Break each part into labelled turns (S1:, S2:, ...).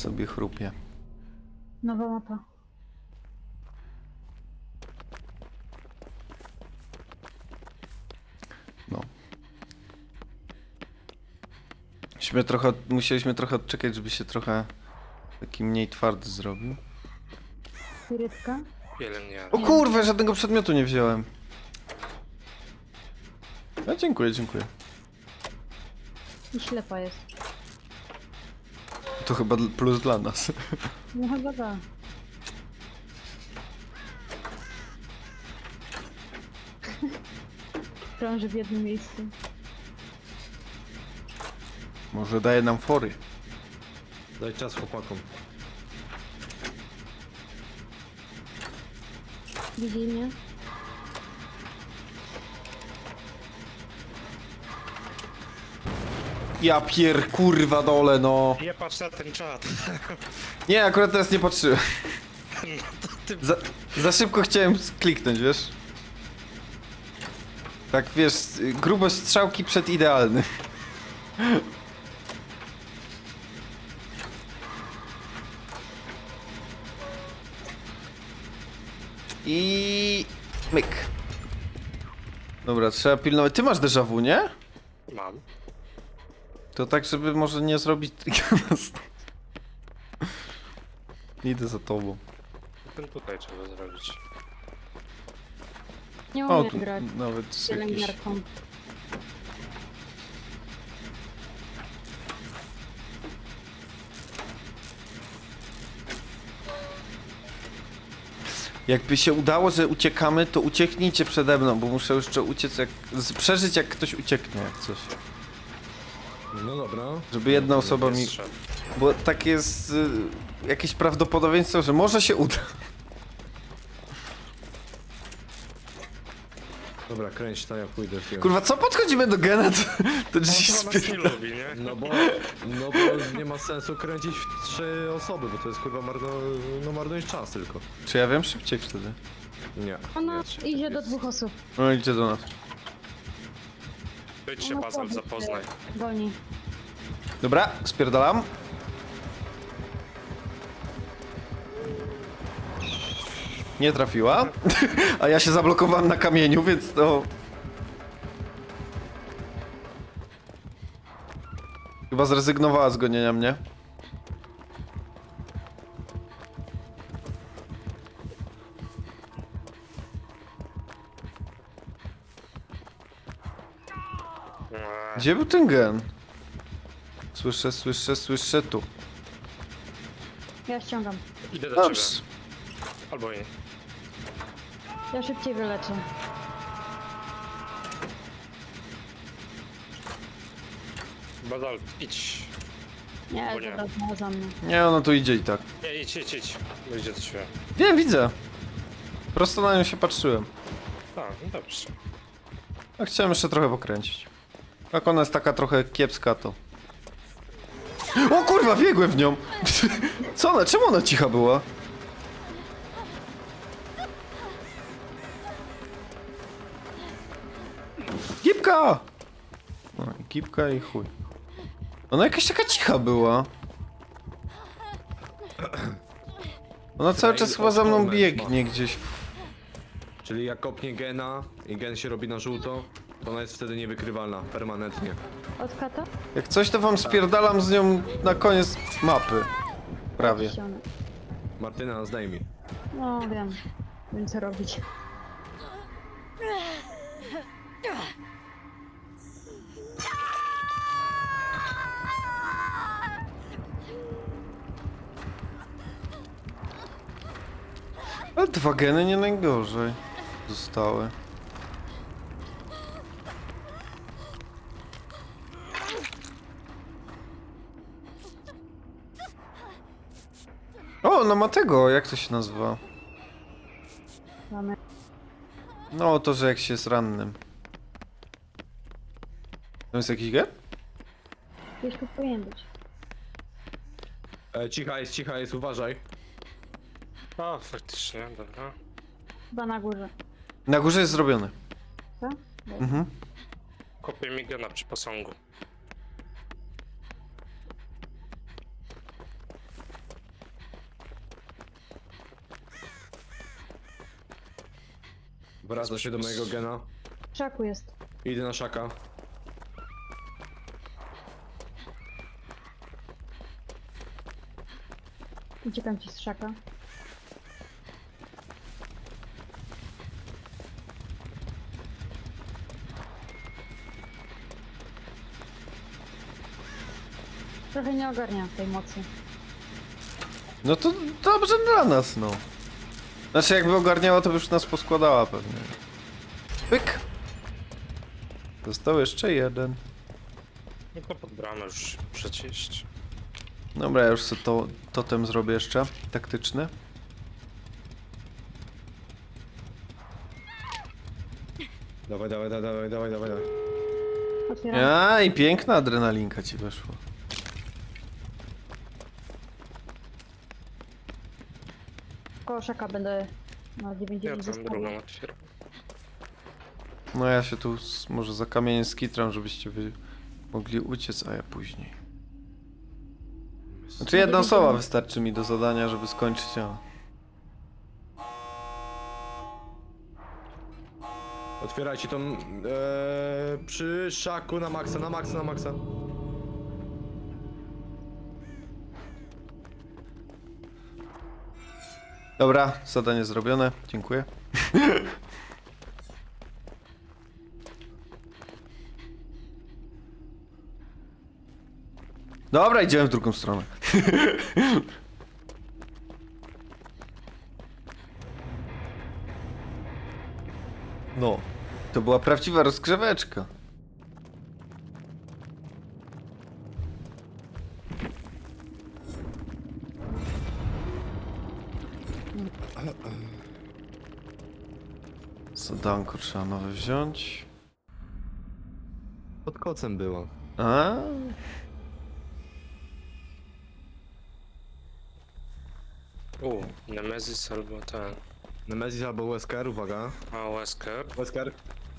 S1: sobie chrupie.
S2: Nowa mapa.
S1: No. Musieliśmy trochę odczekać, żeby się trochę taki mniej twardy zrobił.
S2: Spirytka.
S3: Pielęgniarka.
S1: O kurwa, żadnego przedmiotu nie wziąłem. No, dziękuję, dziękuję.
S2: I ślepa jest.
S1: To chyba plus dla nas.
S2: No chyba da. Krąży w jednym miejscu.
S1: Może daje nam fory.
S4: Daj czas chłopakom.
S2: Widzi mnie?
S1: Ja kurwa dole, no.
S3: Nie patrz na ten czat.
S1: Nie, akurat teraz nie patrzyłem.
S3: No to ty...
S1: Za szybko chciałem kliknąć, wiesz? Tak, wiesz, grubość strzałki przed idealny. I... myk. Dobra, trzeba pilnować. Ty masz déjà vu, nie?
S3: Mam.
S1: To tak, żeby może nie zrobić... Idę za tobą.
S3: Ten tutaj trzeba zrobić.
S2: Nie
S1: O,
S2: umiem
S1: tu
S2: grać
S1: nawet
S2: z
S1: jakiś...
S2: pielęgniarką.
S1: Jakby się udało, że uciekamy, to ucieknijcie przede mną, bo muszę jeszcze uciec jak... przeżyć jak ktoś ucieknie, jak coś.
S4: No dobra.
S1: Żeby jedna osoba mi...
S3: Jest szef.
S1: Bo tak jest... jakieś prawdopodobieństwo, że może się uda.
S4: Dobra, kręć to, ja pójdę w film.
S1: Kurwa, co podchodzimy do gena, to drzwi
S3: On chyba nas nie
S1: spierdala.
S3: lubi, nie?
S4: No bo nie ma sensu kręcić w 3 osoby, bo to jest kurwa marnujesz czas tylko.
S1: Czy ja wiem szybciej wtedy?
S4: Nie.
S2: Ona
S4: nie,
S2: idzie
S4: jest-
S2: do 2 osób.
S1: No idzie do nas.
S3: Być się
S2: Ona
S3: Bazal,
S2: powiedz,
S3: zapoznaj.
S2: Goni.
S1: Dobra, spierdalam. Nie trafiła. A ja się zablokowałem na kamieniu, więc to... Chyba zrezygnowała z gonienia mnie. Gdzie był ten gen? Słyszę tu.
S2: Ja ściągam.
S3: Idę do ciebie.
S1: Ups.
S3: Albo nie.
S2: Ja szybciej wyleczę.
S3: Bazal, idź.
S2: Nie,
S3: Bo nie.
S2: dobra, znalazła mnie.
S1: Nie, ona tu idzie i tak.
S3: Nie, idź. Idzie do ciebie.
S1: Wiem, widzę. Prosto na nią się patrzyłem.
S3: A, no dobrze.
S1: A chciałem jeszcze trochę pokręcić. Jak ona jest taka trochę kiepska, to... O kurwa, biegłem w nią! Co ona? Czemu ona cicha była? Gipka! No i gipka i chuj. Ona jakaś taka cicha była. Ona cały czas chyba za mną biegnie gdzieś.
S4: Czyli jak kopnie gena i gen się robi na żółto, to ona jest wtedy niewykrywalna, permanentnie.
S2: Od kata?
S1: Jak coś, to wam spierdalam z nią na koniec mapy. Prawie.
S2: Ściągnę.
S4: Martyna, zdejmij.
S2: No wiem. Wiem co robić.
S1: Ale 2 geny nie najgorzej zostały. O, no ma tego, jak to się nazywa?
S2: Mamy.
S1: No, to, że jak się jest rannym. To jest jakiś gen?
S2: Gdzieś tu powinien być.
S4: Cicha jest, uważaj.
S3: A, faktycznie, dobra.
S2: Chyba na górze.
S1: Na górze jest zrobiony.
S2: Co?
S1: Mhm.
S3: Kopię mi gena przy posągu.
S4: Wraca się do mojego gena.
S2: W krzaku jest.
S4: Idę na szaka.
S2: Uciekam ci z krzaka. Trochę nie ogarniam tej mocy.
S1: No to dobrze dla nas, no. Znaczy jakby ogarniała, to by już nas poskładała pewnie. Pyk! Został jeszcze jeden.
S3: No to pod bramę już przecież.
S1: Dobra, ja już sobie totem zrobię jeszcze, taktyczny.
S4: Dawaj, dawaj, dawaj, dawaj, dawaj, dawaj.
S2: Otwieram.
S1: A i piękna adrenalinka ci weszła.
S2: Koło szaka będę na
S3: Ja
S2: 90
S3: tam
S2: zostawił.
S3: drugą otwieram.
S1: No ja się tu może za kamieniem skitram, żebyście wy mogli uciec, a ja później. Znaczy jedna osoba wystarczy mi do zadania, żeby skończyć, a...
S4: Otwierajcie tą przy szaku na maksa, na maksa, na maksa.
S1: Dobra, zadanie zrobione, dziękuję. Dobra, idziemy w drugą stronę. No, to była prawdziwa rozgrzeweczka. Zadanko trzeba nowe wziąć.
S4: Pod kocem była.
S1: A?
S3: Nemesis albo ten.
S4: Nemesis albo Wesker, uwaga.
S3: A, Wesker.
S4: Wesker.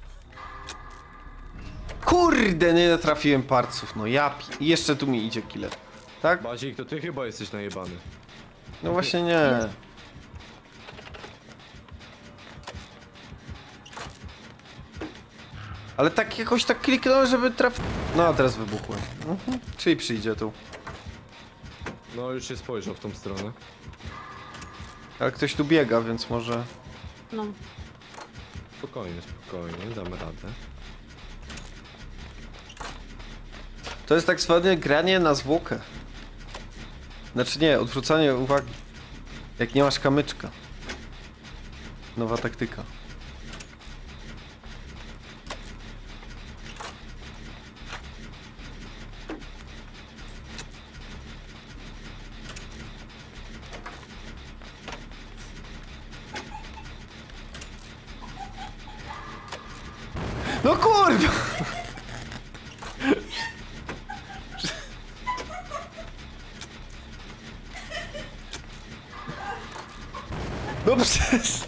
S1: Kurde, nie trafiłem parców, no ja I jeszcze tu mi idzie killer. Tak?
S4: Bazik, to ty chyba jesteś najebany.
S1: No właśnie nie. Ale tak jakoś tak kliknąłem, żeby trafić. No a teraz wybuchłem. Czyli przyjdzie tu.
S4: No już się spojrzał w tą stronę.
S1: Ale ktoś tu biega, więc może...
S2: No.
S4: Spokojnie, spokojnie, damy radę.
S1: To jest tak zwane granie na zwłokę. Znaczy nie, odwrócanie uwagi. Jak nie masz kamyczka. Nowa taktyka. No kurwa! No przestań.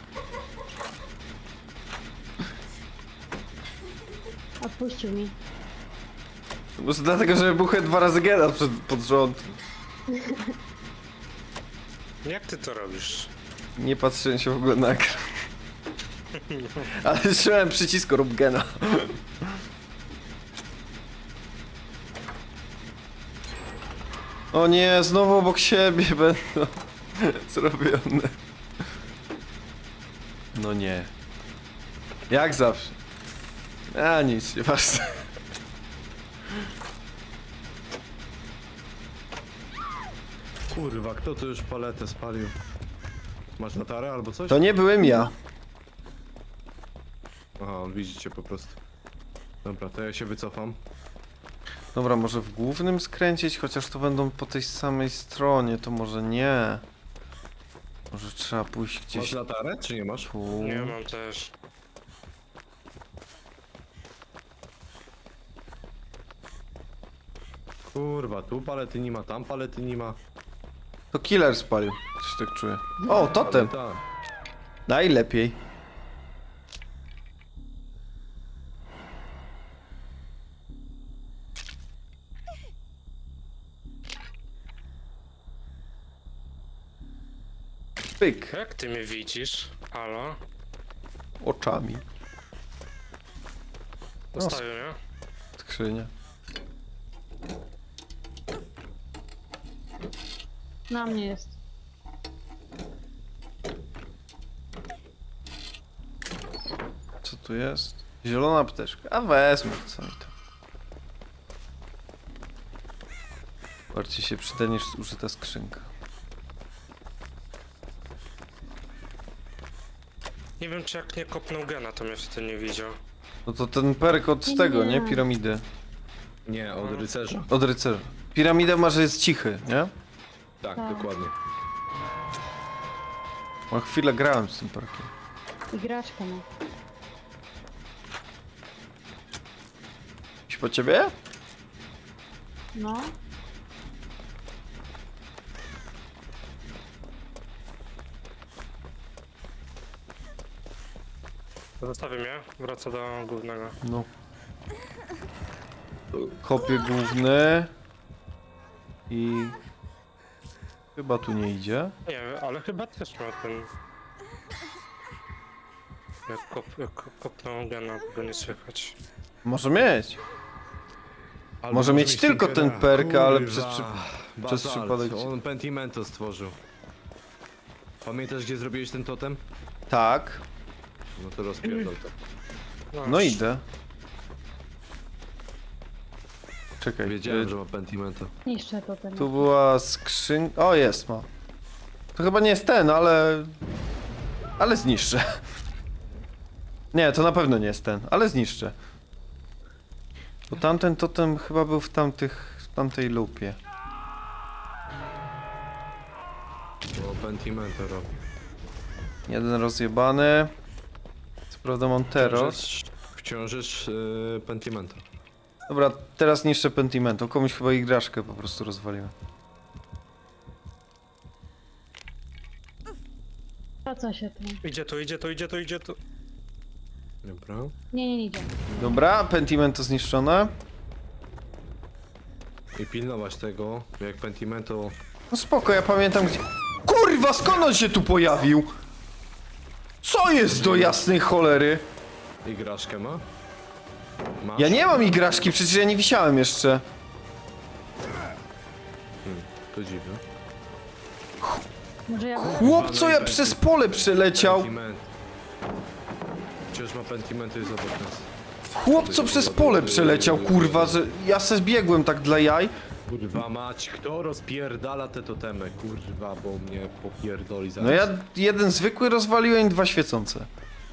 S2: Odpuścił mi.
S1: Może dlatego, że wybuchłem 2 razy gena pod rząd.
S3: Jak ty to robisz?
S1: Nie patrzyłem się w ogóle na ekran. Ale trzymałem przycisk rób gena. O nie, znowu obok siebie będą zrobione. No nie. Jak zawsze. A nic, nieważne.
S4: Kurwa, kto tu już paletę spalił? Masz latarę albo coś?
S1: To nie byłem ja.
S4: Aha, on widzicie po prostu. Dobra, to ja się wycofam.
S1: Dobra, może w głównym skręcić, chociaż to będą po tej samej stronie, to może nie. Może trzeba pójść
S4: Masz
S1: gdzieś
S4: latarę, czy nie masz?
S1: tu.
S3: Nie mam też.
S4: Kurwa, tu palety nie ma, tam palety nie ma.
S1: To killer spalił, coś tak czuję. O, totem!
S4: Tak.
S1: Najlepiej. Pyk.
S3: Jak ty mnie widzisz? Halo?
S1: oczami.
S3: Zostawił, nie?
S1: Skrzynia.
S2: Na mnie jest.
S1: Co tu jest? Zielona apteczka. A wezmę, co mi to. Bardziej się przyda niż użyta skrzynka.
S3: Nie wiem, czy jak nie kopnął gena, to mnie wtedy nie widział.
S1: No to ten perk od
S2: Nie.
S1: tego, nie? Piramidy.
S4: Nie, od rycerza.
S1: Od rycerza. Piramida ma, że jest cichy, nie?
S4: Tak,
S2: Tak.
S4: dokładnie.
S1: Ma chwilę grałem z tym perkiem.
S2: I graczkę ma.
S1: Iść po ciebie?
S2: No.
S3: Zostawił mnie, wraca do głównego.
S1: No. Kopię główny. I... Chyba tu nie idzie.
S3: Nie wiem, ale chyba też ma ten... Jak kopnął gena, go nie słychać.
S1: Może mieć.
S4: Albo
S1: Może mieć tylko ten
S4: Tinkera.
S1: perk, ale
S4: Kurwa,
S1: przez
S4: Basalt,
S1: przypadek-
S4: On Pentimento stworzył. Pamiętasz, gdzie zrobiłeś ten totem?
S1: Tak.
S4: No to rozpierdol to.
S1: No idę. Czekaj.
S4: Wiedziałem, że ma Pentimento.
S2: Niszczę to ten.
S1: Tu była skrzynka. O, jest, ma. To chyba nie jest ten, ale... Ale zniszczę. Nie, to na pewno nie jest ten, ale zniszczę. Bo tamten totem chyba był w tamtej lupie.
S4: Bo Pentimento robi.
S1: Jeden rozjebany. Co prawda mam teraz.
S4: Wciąż jest Pentimento.
S1: Dobra, teraz niszczę Pentimento. Komuś chyba igraszkę po prostu rozwaliłem.
S2: Wraca się tu.
S3: Idzie tu.
S4: Dobra.
S2: Nie idzie.
S1: Dobra, Pentimento zniszczone.
S4: I pilnować tego, jak Pentimento...
S1: No spoko, ja pamiętam gdzie... Kurwa, skąd on się tu pojawił? Co jest do jasnej cholery?
S4: Igraszkę ma? Masz?
S1: Ja nie mam igraszki, przecież ja nie wisiałem jeszcze.
S4: To dziwne.
S2: Może ja...
S1: Chłop, co ja przez pole przeleciał.
S4: Pentimento. Wciąż ma Pentimento i zobacz nas.
S1: Chłop, co przez pole przeleciał, kurwa, że ja se zbiegłem tak dla jaj.
S4: Kurwa mać, kto rozpierdala te totemy? Kurwa, bo mnie popierdoli zaraz.
S1: No ja jeden zwykły rozwaliłem i dwa świecące.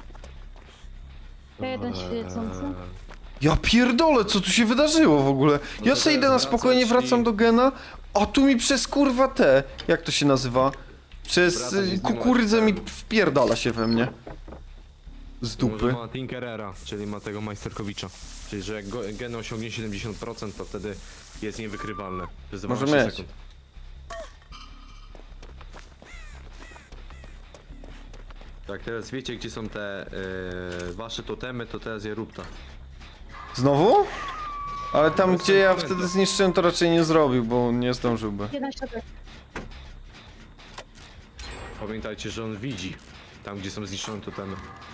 S2: Ja jeden świecący.
S1: Ja pierdolę, co tu się wydarzyło w ogóle? Ja
S4: to
S1: se idę na
S4: teraz
S1: spokojnie,
S4: wracać
S1: wracam
S4: i-
S1: do gena, a tu mi przez kurwa te, jak to się nazywa? Przez
S4: Wracać i zdejmować
S1: kukurydzę mi
S4: ten.
S1: wpierdala się we mnie. Z dupy.
S4: Może ma Tinkerera, czyli ma tego Majsterkowicza. Czyli, że jak gen osiągnie 70%, to wtedy jest niewykrywalne. Przez
S1: Może
S4: 12
S1: mieć.
S4: sekund. Tak, teraz wiecie, gdzie są te wasze totemy, to teraz je rób ta.
S1: Znowu? Ale tam,
S4: No,
S1: gdzie ja
S4: sentymental.
S1: wtedy zniszczyłem, to raczej nie zrobił, bo nie zdążyłby.
S2: Jeden środek.
S4: Pamiętajcie, że on widzi tam, gdzie są zniszczone totemy.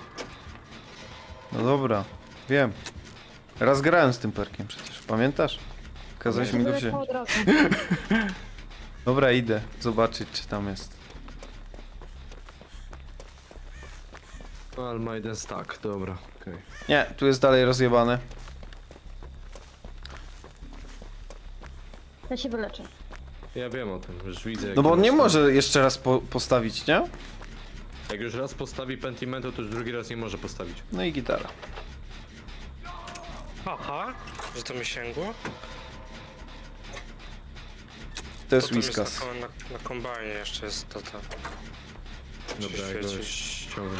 S1: No dobra, wiem. Raz grałem z tym perkiem przecież, pamiętasz? Kazałeś mi go wziąć.
S2: Wyleciał od razu.
S1: Dobra, idę zobaczyć, czy tam jest.
S4: No, ale ma jeden stack, dobra, okej.
S1: Nie, tu jest dalej rozjebane.
S2: Ja się wyleczę.
S4: Ja wiem o tym, już widzę. jak
S1: No bo on nie
S4: raz-
S1: może jeszcze raz postawić, nie?
S4: Jak już raz postawi Pentimento, to już drugi raz nie może postawić.
S1: No i gitara.
S3: Aha, że to mi sięgło?
S1: To jest
S3: Potem
S1: Whiskas.
S3: na kombajnie jeszcze jest to.
S4: Dobra, ja go
S3: świeci.
S4: ściągnę.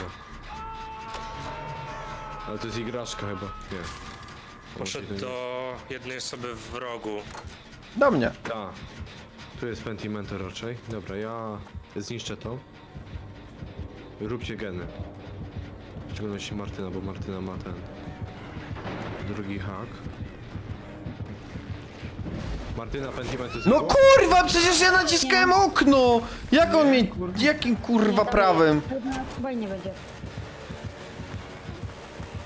S4: Ale to jest igraszka chyba, nie.
S3: Poszedł do jednej osoby w rogu.
S1: Do mnie.
S4: Ta. Tu jest Pentimento raczej. Dobra, ja zniszczę to. Róbcie geny. W szczególności Martyna, bo Martyna ma ten drugi hak. Martyna, Pentimento
S1: No
S4: znikło?
S1: kurwa, przecież ja naciskałem okno! Jak on mi... Jakim kurwa prawem?
S2: Chyba nie będzie.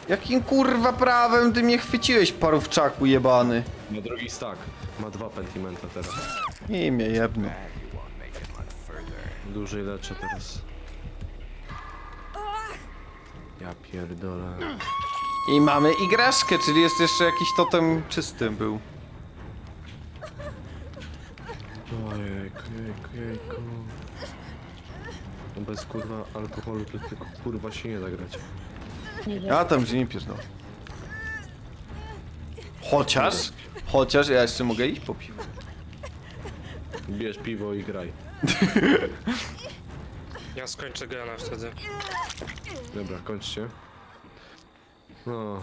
S1: Jakim kurwa prawem ty mnie chwyciłeś, parówczaku jebany?
S4: Ma drugi stack. Ma 2 pentimenta teraz.
S1: I mnie jebny.
S4: Dłużej leczę teraz. Ja pierdolę.
S1: I mamy igraszkę, czyli jest jeszcze jakiś totem czysty był.
S4: Ojejku, jejku. No bez kurwa alkoholu to tylko kurwa się nie da grać.
S2: Nie idzie.
S1: Ja tam gdzie nie pierdol. Chociaż ja jeszcze mogę iść po piwo.
S4: Bierz piwo i graj.
S3: Ja skończę gena wtedy.
S4: Dobra, kończcie. No.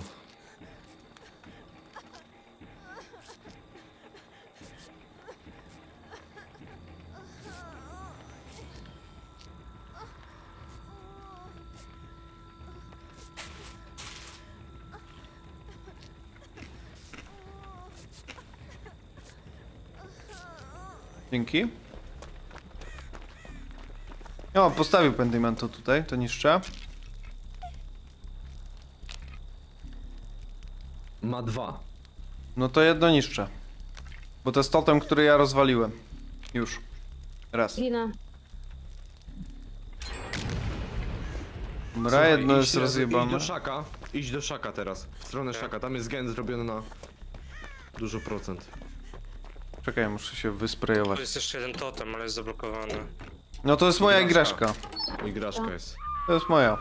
S1: Dzięki. O, postawił pentimento tutaj, to niszczę.
S4: Ma 2.
S1: No to jedno niszczę. Bo to jest totem, który ja rozwaliłem. Już. Raz.
S2: Ginę.
S1: Dobra,
S4: Słuchaj,
S1: jedno jest
S4: idź
S1: rozjebane.
S4: do szaka. Idź do szaka teraz. W stronę szaka. Tam jest gen zrobiony na dużo procent.
S1: Czekaj, muszę się
S3: Tu
S1: wysprejować.
S3: jest jeszcze jeden totem, ale jest zablokowany.
S1: No to jest moja igraszka.
S4: Igraszka jest.
S1: To jest moja.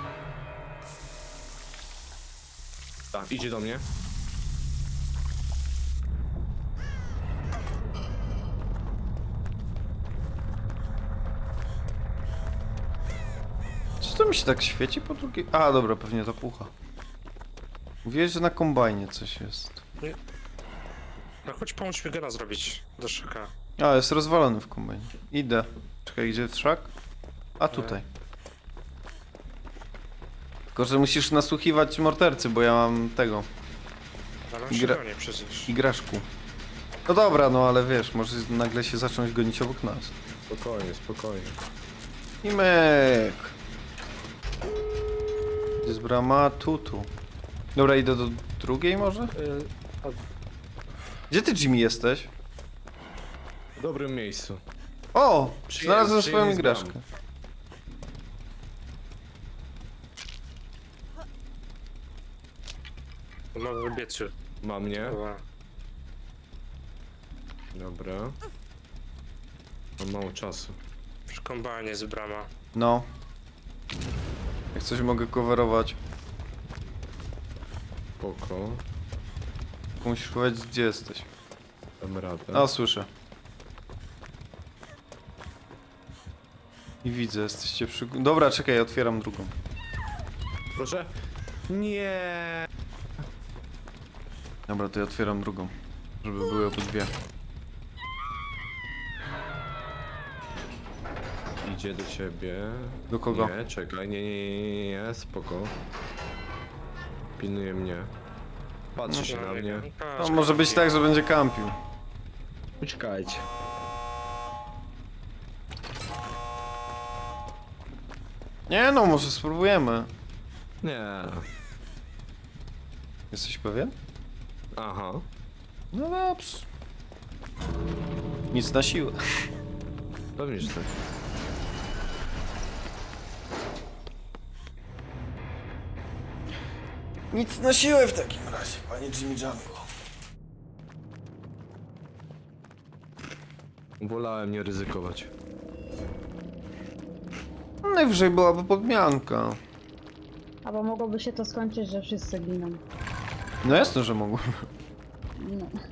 S4: Tak, idzie do mnie.
S1: Co to mi się tak świeci po drugiej? A, dobra, pewnie to pucha. Mówiłeś, że na kombajnie coś jest.
S3: No chodź pomóż mi gena zrobić do szyka.
S1: A, jest rozwalony w kombajnie. Idę. Czekaj, gdzie jest szak? A, tutaj. Tylko, że musisz nasłuchiwać mordercy, bo ja mam tego,
S3: Ale on
S1: Gra-
S3: się goni przecież.
S1: igraszku. No dobra, no ale wiesz, może nagle się zacząć gonić obok nas.
S4: Spokojnie, spokojnie.
S1: I myk. Gdzie jest brama? Tu. Dobra, idę do drugiej może? Gdzie ty, Jimmy, jesteś?
S4: W dobrym miejscu.
S1: O!
S4: Przyje-
S1: Znalazłem swoją
S4: przyjemnie
S1: igraszkę.
S4: znam.
S3: Mam wybiecu.
S4: Ma mnie.
S3: Dobra.
S4: Dobra. Mam mało czasu.
S3: Przy kombajnie jest brama.
S1: No. Jak coś mogę coverować.
S4: Spoko.
S1: Tylko musisz powiedzieć, gdzie jesteś.
S4: Dam radę.
S1: A, słyszę. I widzę, jesteście przy... Dobra, czekaj, otwieram drugą.
S4: Proszę. Nie.
S1: Dobra, to ja otwieram drugą. Żeby były obydwie.
S4: Idzie do ciebie.
S1: Do kogo?
S4: Nie, czekaj, nie, spoko. Pilnuje mnie. Patrzy się na mnie.
S1: No, może być tak, że będzie kampił.
S4: Uciekajcie.
S1: Nie no, może spróbujemy.
S4: Nie.
S1: Jesteś pewien?
S4: Aha.
S1: No dobrze. Nic na siłę.
S4: Pewnie, że tak.
S1: Nic na siłę w takim razie, panie Jimmy Jungle.
S4: Wolałem nie ryzykować.
S1: Najwyżej byłaby podmianka.
S2: Albo mogłoby się to skończyć, że wszyscy giną.
S1: No jasne, że mogłem.
S2: No.